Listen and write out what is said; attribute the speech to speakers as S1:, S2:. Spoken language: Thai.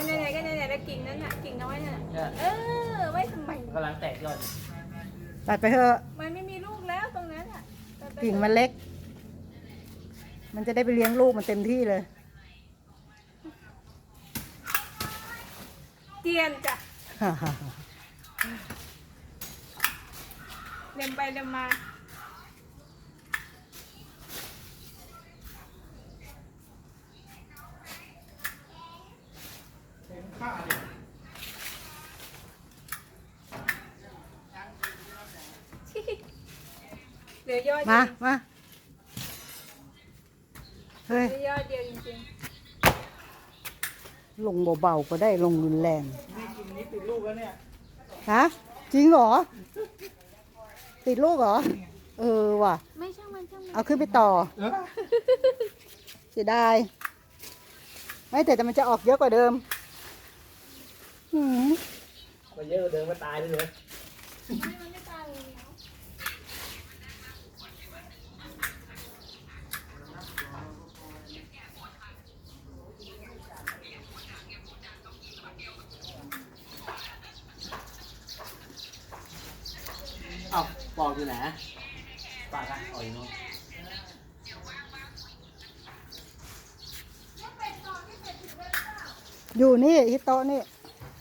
S1: ไหนๆก็ไหนๆแล้วกิ่งนั้นน่ะกิ่งน้อยน่ะไว้ทำไม
S2: กำลังแตกยอด
S3: ตัดไปเถอะ
S1: มันไม่มีลูกแล้วตรงนั้นอ่ะ
S3: กิ่งมันเล็ก มันจะได้ไปเลี้ยงลูกมันเต็มที่เลย
S1: เตียนจ้ะเล็มไปเล็มมาเหลือยอด
S3: มาเฮ้ย
S1: เหลือยอดเดียวจริง
S3: ลงเบาๆก็ได้ลงรุนแรง
S2: นี่กินนี้ติดลูกแล้วเนี่ย
S3: ฮะจริงเหรอติดลูกเหรอว่ะ
S1: ไม่ช่างมัน
S3: เอาขึ้นไปต่อเสียดายไม่แต่มันจะออกเยอะกว่าเดิม
S2: มาเยอะเดินมาตายเลย
S1: มันไม่ตายเลย
S2: อ้าวปอกอยู่ไหนปากอะอ๋ออยู่โน่น
S3: อยู่นี่ที่โต๊ะนี่